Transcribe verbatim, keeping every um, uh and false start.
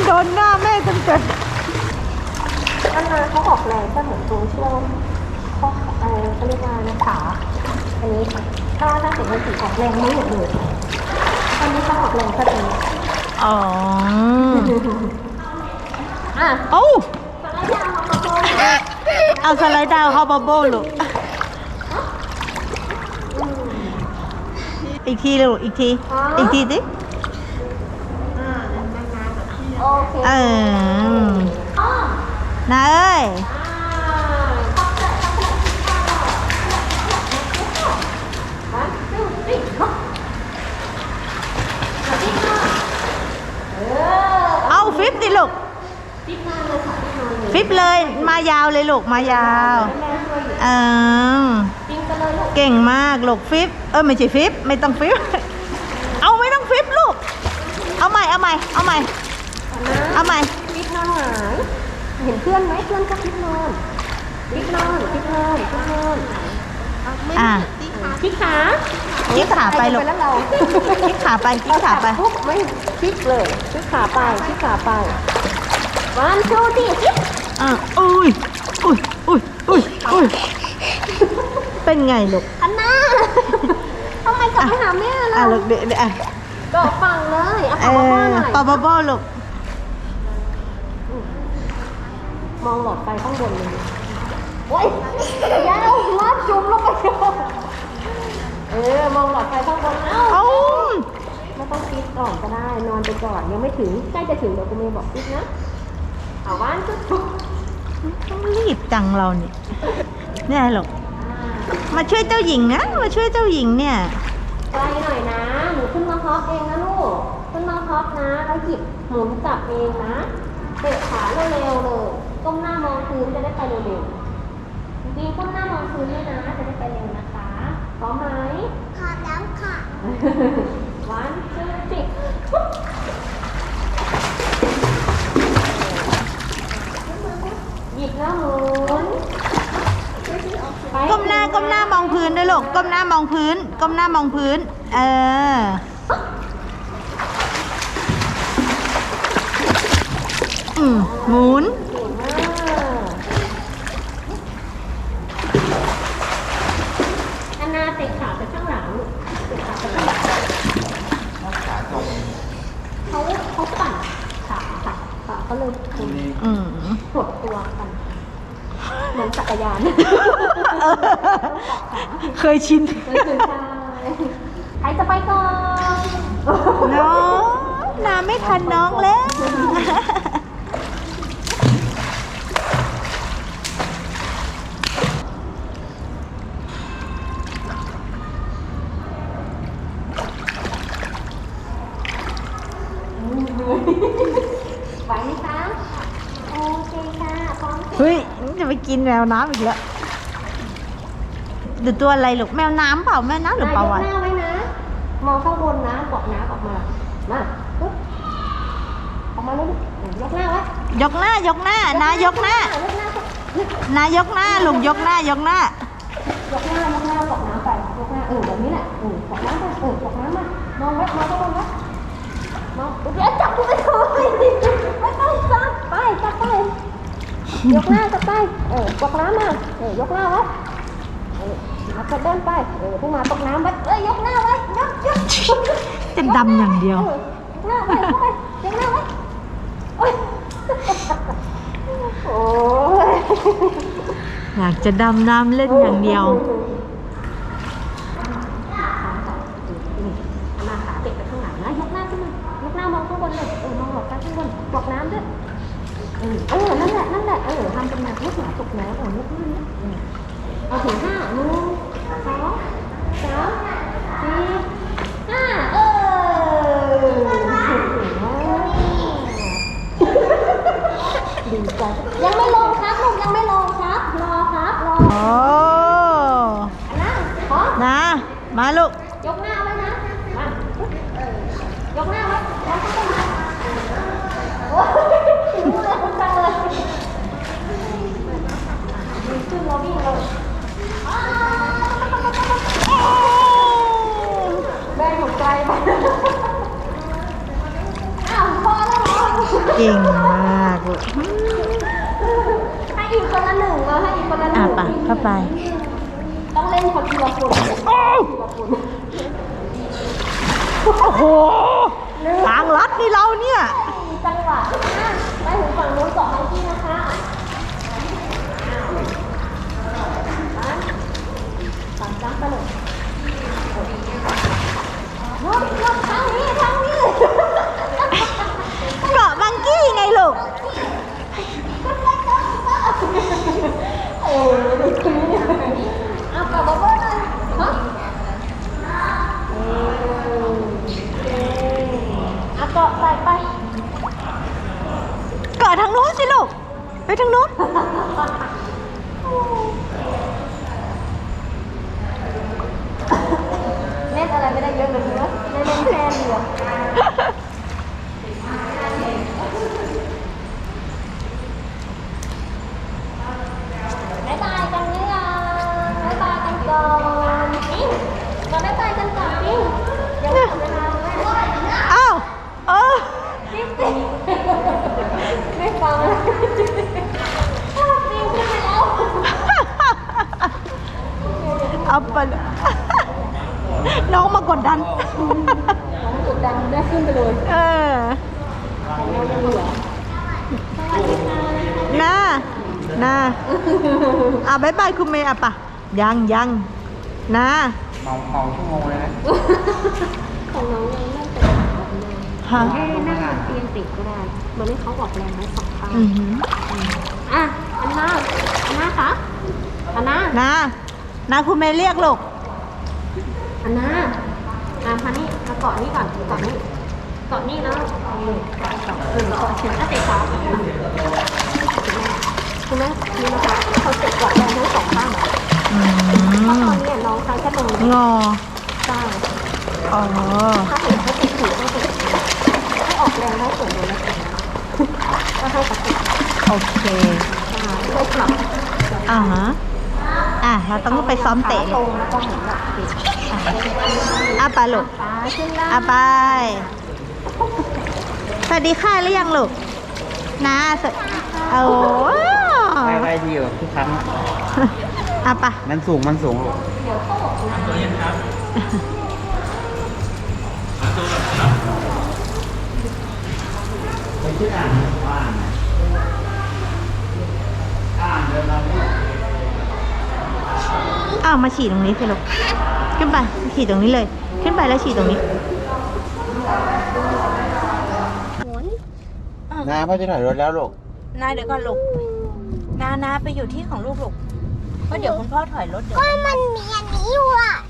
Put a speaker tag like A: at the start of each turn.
A: โดนหน้าแม่เต็มเต็ม
B: อันนั้นเขาออกแรงก็เหมือนตรงช่วงข้อเออเขาเรียกว่าขาอันนี้ถ้าถ้าเกิดมันติดออกแรงไม่หมดเลยอันนี้เขาออกแรงแค่ตรงนี้
A: อ๋อ
B: อ่ะ
A: เอ้าเอาสไลด์ดาวเข้าบับเบิ้ลลูกอีกทีลูกอีกทีอีกทีดิ
B: โอเค
A: เออนาเอ้ยเอาฟิปดิลูกฟิปเลยมายาวเลยลูกมายาวเออเก่งมากลูกฟิปเออไม่ใช่ฟิปไม่ต้องฟิปเอาไม่ต้องฟิปลูกเอาใหม่เอาใหม่เอาใหม่เอาใหม่
B: ฟิปนอนหงายเห็นเพื่อนไหมเพื่อนก็ฟิปนอนฟิปนอนฟิปนอนฟิปนอน
A: อ่ะ
B: พี่ขา
A: พี่ขาไปลูกพี่ขาไปพี่ขาไป
B: ปุ๊บไม่พี่เลยพี่ขาไปพี่ขาไปวันโชว์ดิ
A: อ่ะอุ้ยอุ้ยอุ้ยอุ้ยอุ้ยเป็นไงลูก
B: อันน่าทำไมกลับไปหาแม่ล่ะ
A: อ่ะลูกเดี๋ยวอ่ะ
B: ก็ฟังเลยเอาปอบบ้าหน่อย
A: ปอบบ้าลูก
B: มองหลอดไฟข้างบนเลยโอ้ยยาวลาดจุ่มลงไปเออมองหลอดไฟข้างบนเอ้าไม่ต้องคิดก่อนก็ได้นอนไปก่อนยังไม่ถึงใกล้จะถึงเดี๋ยวคุณเมย์บอกคิดนะเอาว่านจุด
A: ต้องรีบจังเราเนี่ยเนี่ยหรอกมาช่วยเจ้าหญิงนะมาช่วยเจ้าหญิงเนี่ย
B: ไกลหน่อยนะหนูขึ้นมาฮอปเองนะลูกขึ้นมาฮอปนะแล้วหยิบหมุนจับเองนะเตะขาเร็วๆเลยก้มหน้ามองพื้นจะได้ไปเร็วๆจริงๆก้มหน้ามองพื้นด้วยนะจะได้ไปเร็วนะคะพร้อมไหม
C: พร้อมแล้วค่ะ
B: วันชื่อสิหยิบแล้วหมุน
A: ก้มหน้าก้มหน้ามองพื้นด้วยลูกก้มหน้ามองพื้นก้มหน้ามองพื้นเอออืมหมุน
B: อันนาเตะขาไปข้างหลังเตะขาไปข้างหลังเขาเขาปั่นขาค่ะขาเขาเลย
A: อืม
B: หดตัวกันเหมือนจักรยาน
A: เคยชิน
B: ใครจะไปก่อน
A: น้องน้าไม่ทันน้องแล้ว
B: ไหวไหมคะโอเคค่ะพร้อม
A: เฮ้ยจะไปกินแมวน้ำอีกแล้วดูตัวอะไรลูกแมวน้ำเปล่าแมวน้ำหรือเปล่าวะ
B: ยกหน้าไว้นะมองข้างบนนะกดน้ำออกมามาปุ๊บออกมาเลยยกหน้าไว้
A: ยกหน้ายกหน้านายกหน้านายกหน้าลูกยกหน้ายกหน้าย
B: กหน้ายกหน้ากดน้ำไปยกหน้าเออแบบนี้แหละเออกดน้ำไปเออกดน้ำมามองไว้มองข้างบนไว้มองเดี๋ยวจับกูไปเลยไม่ต้องจับไปจับไปยกหน้าจับไปเออกดน้ำมาเออยกหน้าไว้เออมาจะเดินไปเออพุ่งมาตกน้ำไว้เอ้ยยกหน้าไว้ยกยก
A: จะดำอย่างเดียวย
B: กหน้าไว้เข้าไปยกหน้าไว้โอ้ยโอ้ย
A: อยากจะดำน้ำเล่นอย่างเดียว
B: มาขาเก็บไปข้างหลังนะยกหน้าขึ้นมายกหน้ามองข้างบนเลยเออมองหลอดไปข้างบนบอกน้ำด้วยเออเออนั่นแหละนั่นแหละเออทำเป็นแบบลูกหมาตกน้ำเออยกหน้านี้เอาถึงห้าหนึ่งสองสามสี่ห้าเออดีใจยังไม่ลงครับลูกยังไม่ลงครับรอครับรอ
A: โอ้
B: นะขอ
A: นะมาลูก
B: ยกหน้าไว้นะมายกหน้าไว้แล้วก็มาโอ้ยรู้เลยคุณจังเลยดีขึ้นเราวิ่งเลยแม่หัวใจไปอ้าวพอแล้วเหรอ
A: เก่งมากลูก
B: ให้อีกคนละหนึ่งเราให้อีกคนละหนึ่
A: อ่ะ
B: ง
A: ปะเข้าไป
B: ต้องเล่นคนทีละคน
A: โอ้โหทางลัดนี่เราเนี่ย
B: จังหวะอ่ะไปถึงฝั่งนู้นเกาะมังกี้นะคะฝั่งจ้ำไปเลยรอบรอบทางนี้ทางนี้
A: เกาะบังกี้ไงลูก
B: โอ้ยเด็กคนนี้เนี่ยเอากลับมาเบิ้ลเลยฮะเออเอาเกาะใส่ไป
A: เกาะทางนู้นสิลูก ไปทางนู้น
B: เล่นอะไรไม่ได้เยอะเลยนะเล่นเล่นแค่เดียวบ๊ายบายกันเนี่ยบ๊ายบายกันก่อนอิงมาบ๊ายบายกันก่อนอิงยังไม่หมดเวลาเลย
A: อ้าวเออ
B: ปิ๊บปิ๊บไม่ฟังเลยชอบปิงขึ้นไปแล้ว
A: เอาไปเลย น้องมากดดัน
B: น้องกดดันได้ขึ้นไปเลย
A: เออ
B: แต่เรายังเหลือสวัสดีค่ะ
A: น่าน่าอ่ะบายบายคุณเมย์อ่ะปะยังยังนะ
D: เมาเมาชั่วโมงเลยนะ
B: ของน้องยังไม่เป็นแบบนี้
A: ฮะ
B: ให้นั่งบนเตียงติดก็ได้เหมือนที่เขาบอกแรงไว้สองข้าง
A: อือหือ
B: อ่ะ อันน่าอันน่าคะอันน่า
A: นะนะคุณเมย์เรียกลูก
B: อันน่าอ่ะพันนี่มาเกาะนี่ก่อนเกาะนี่เกาะนี่แล้วเอาเลยเกาะเกาะเออเกาะถึงอ่ะเตะขาคุณแม่นี่นะคะเขาเตะเกาะแรงทั้งสองข้าง
A: อื
B: เพราะต
A: ม
B: อนนี้น้องใช้แค่ตรงนี้
A: งอ
B: ใช่
A: อ๋อ
B: ถ้าเห็นเขาติดหูก็ติดให้ออกแรงได้ส่วนเดียวนะก็ให้กระติก
A: โอเค
B: อ่าช่วยปรับ
A: อ่าฮะอ่ะเราต้องไปซ้อมเตะ
B: ตรงแล้วก็เหมือนแบบติด
A: อ่ะไปลูก
B: ขาขึ้นล่าง
A: อ่ะไป สวัสดีค่ะหรือยังลูกนะสวัสโอ้
D: ไปไปดีกว่าทุกครั้งอะ
A: อ่ะไป
D: มันสูงมันสูงลูก
B: เดี๋ยวเขาบอกคุณ
D: ไปชื่ออ่านอ่านอ่านเดินมา
A: อ้าวมาฉี่ตรงนี้สิลูกขึ้นไปฉี่ตรงนี้เลย ขึ้นไปแล้วฉี่ตรงนี้
B: หมุน
D: นาพ่อจะถอยรถแล้วลูก
A: นาเดี๋ยวก่อนลูกนานาไปอยู่ที่ของลูกลูกเพราะเดี๋ยวคุณพ่อถอยรถเดี๋ยว
C: ก็มันมีอันนี้อยู่อ่ะ